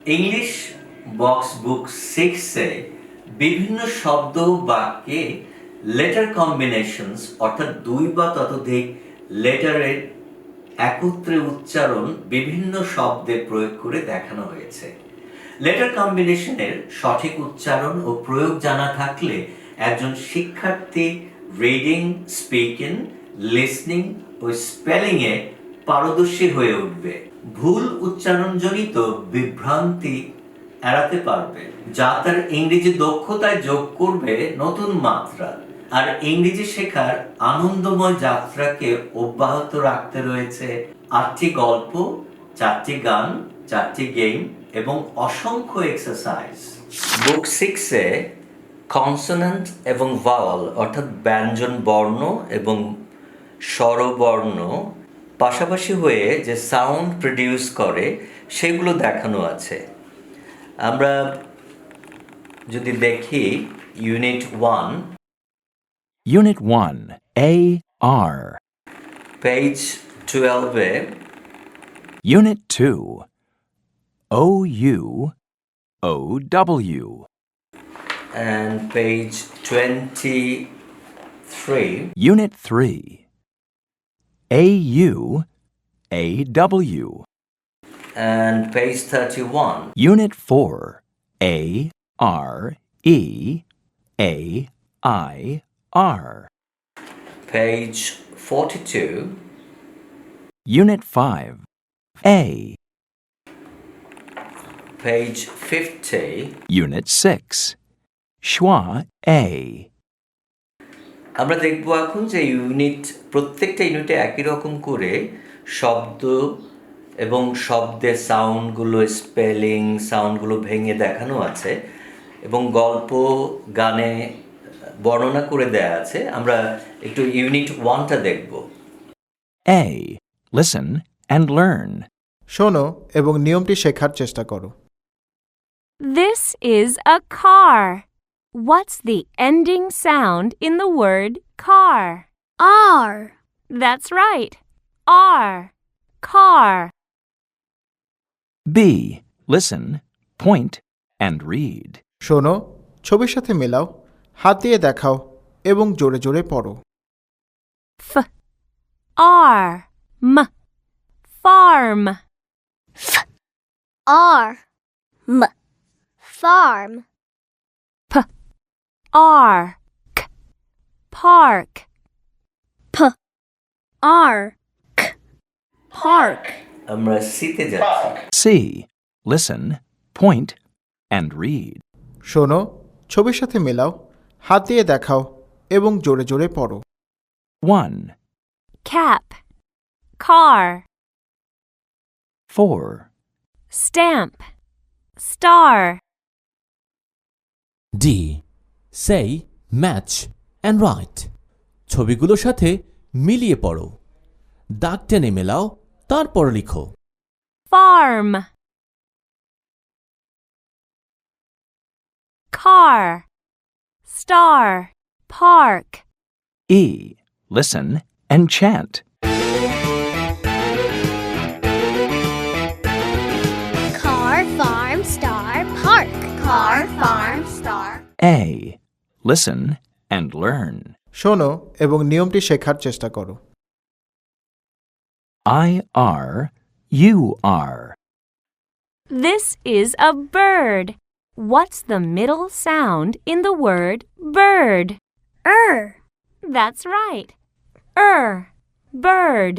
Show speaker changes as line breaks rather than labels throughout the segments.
English box বুক 6 এ বিভিন্ন শব্দ বাক্যে লেটার কম্বিনেশনস অর্থাৎ দুই বা ততোধিক লেটারের একত্রে উচ্চারণ বিভিন্ন শব্দে প্রয়োগ করে দেখানো হয়েছে। লেটার কম্বিনেশনের সঠিক উচ্চারণ ও প্রয়োগ জানা থাকলে একজন শিক্ষার্থী রিডিং, স্পিকিং, লিসনিং ও স্পেলিংয়ে পারদর্শী হয়ে উঠবে। ভুল উচ্চারণজনিত বিভ্রান্তি এড়াতে পারবে, যা তার ইংরেজি দক্ষতায় যোগ করবে নতুন মাত্রা। আর ইংরেজি শেখার আনন্দময় যাত্রাকে অব্যাহত রাখতে রয়েছে 8টি গল্প, 4টি গান, 4টি গেম এবং অসংখ্য এক্সারসাইজ। বুক 6-এ কনসোনেন্ট এবং ভাওয়াল অর্থাৎ ব্যঞ্জন বর্ণ এবং স্বরবর্ণ পাশাপাশি হয়ে যে সাউন্ড প্রডিউস করে সেগুলো দেখানো আছে। আমরা যদি দেখি unit 1,
Unit 1, A, R.
Page 12-এ
Unit 2, O, U, O, W.
and page 23,
Unit 3, A, U, A, W.
and page 31,
Unit 4, A, R, E, A, I, R.
page 42,
Unit 5, A.
page 50,
Unit 6, Schwa, A.
আমরা দেখব এখন যে প্রত্যেকটা ইউনিটে একই রকম করে শব্দ এবং শব্দের সাউন্ডগুলো, স্পেলিং সাউন্ডগুলো ভেঙে দেখানো আছে এবং গল্প গানে বর্ণনা করে দেয়া আছে। আমরা একটু ইউনিট 1টা দেখব।
A. Listen and learn.
শোনো এবং নিয়মটি শেখার চেষ্টা করো।
This is a car. What's the ending sound in the word car?
R.
That's right. R. Car.
B. Listen, point, and read.
শোনো, ছবির সাথে মেলাও, হাত দিয়ে দেখাও এবং জোরে জোরে পড়ো।
F. R. M. Farm.
R. M. Farm.
R. K. Park.
P. R. K. Park.
আমরা সিতে যাচ্ছি।
C. Listen, point, and read.
শোনো, ছবির সাথে মেলাও, হাত দিয়ে দেখাও এবং জোরে জোরে পড়ো।
1,
Cap. Car.
4,
Stamp. Star.
D. Say, match and write. ছবিগুলোর সাথে মিলিয়ে পড়ো, দাগ টেনে মেলাও, তারপর লিখো।
Farm. Car. Star. Park.
E. Listen and chant.
Car, farm, star, park. Car, farm, star.
A. Listen and learn.
শোনো এবং নিয়মটি শেখার চেষ্টা করো।
I, R, U, R.
This is a bird. What's the middle sound in the word bird? That's right. Bird.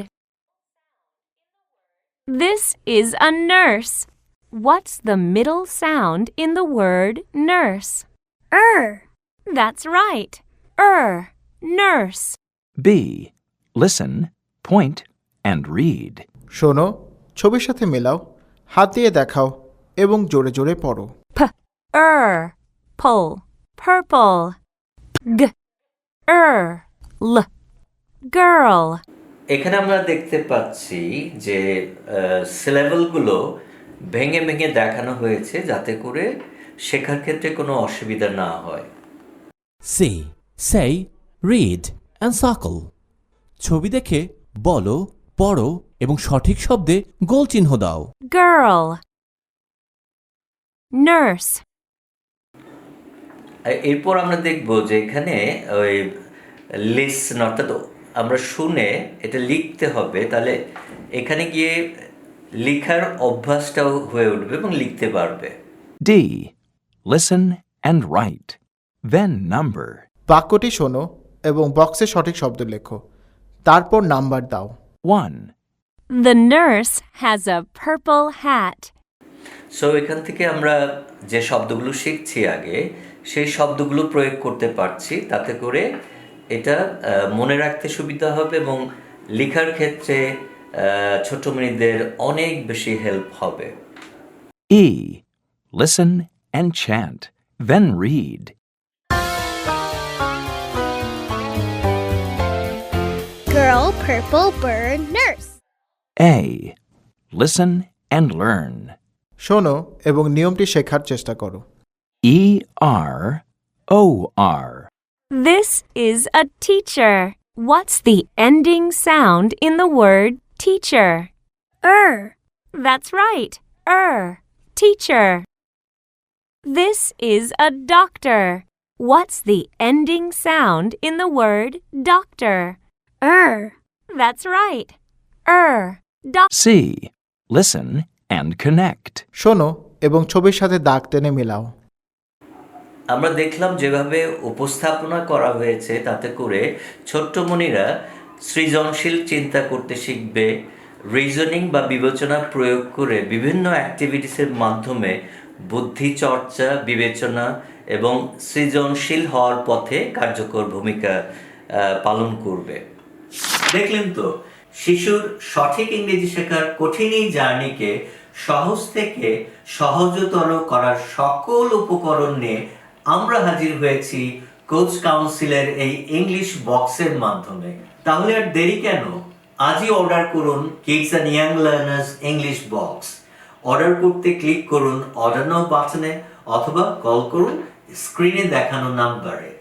This is a nurse. What's the middle sound in the word nurse? That's right. Nurse.
B. Listen, point, and read.
শোনো, ছবির সাথে মেলাও, হাত দিয়ে দেখাও এবং জোরে জোরে পড়ো।
Pull. Purple. G. L. Girl.
এখানে আমরা দেখতে পাচ্ছি যে সিলেবলগুলো ভেঙে ভেঙে দেখানো হয়েছে যাতে করে শেখার ক্ষেত্রে কোনো অসুবিধা না হয়।
C. Say, read and circle. ছবি দেখে বলো, পড়ো এবং সঠিক শব্দে গোল চিহ্ন দাও।
Girl. nurse.
এরপর আমরা দেখব যে এখানে ওই লিসন অর্থাৎ আমরা শুনে এটা লিখতে হবে, তাহলে এখানে গিয়ে লেখার অভ্যাসটাও হয়ে উঠবে এবং লিখতে পারবে।
D. Listen and write. Then number.
বাক্যটি শোনো এবং বক্সে সঠিক শব্দ লেখো, তারপর নাম্বার দাও।
1,
The nurse has a purple hat.
So এখান থেকে আমরা যে শব্দগুলো শিখছি আগে সেই শব্দগুলো প্রয়োগ করতে পারছি, তাতে করে এটা মনে রাখতে সুবিধা হবে এবং লেখার ক্ষেত্রে ছোট মেয়েদের অনেক বেশি হেল্প হবে।
E. Listen and chant. Then read.
Girl, purple bird, nurse.
A. Listen and learn.
শোনো এবং নিয়মটি শেখার চেষ্টা করো।
E-R-O-R.
This is a teacher. What's the ending sound in the word teacher? That's right. Teacher. This is a doctor. What's the ending sound in the word doctor? That's right.
C. Listen and connect.
শোনো এবং ছবির সাথে দাগ টেনে মেলাও।
আমরা দেখলাম যেভাবে উপস্থাপনা করা হয়েছে তাতে করে ছোট্ট মনিরা সৃজনশীল চিন্তা করতে শিখবে, রিজনিং বা বিবেচনা প্রয়োগ করে বিভিন্ন অ্যাক্টিভিটিসের মাধ্যমে বুদ্ধি চর্চা, বিবেচনা এবং সৃজনশীল হওয়ার পথে কার্যকর ভূমিকা পালন করবে। দেখলেন তো, শিশুর সঠিক ইংরেজি শেখার কঠিন এই জার্নিকে সহজ থেকে সহজতর করার সকল উপকরণ নিয়ে আমরা হাজির হয়েছি কোচ কাউন্সিলের এই ইংলিশ বক্সের মাধ্যমে। তাহলে আর দেরি কেন? আজই অর্ডার করুন kids and young learners English box. Order করতে ক্লিক করুন অর্ডার নাও বাটনে অথবা কল করুন স্ক্রিনে দেখানো নাম্বারে।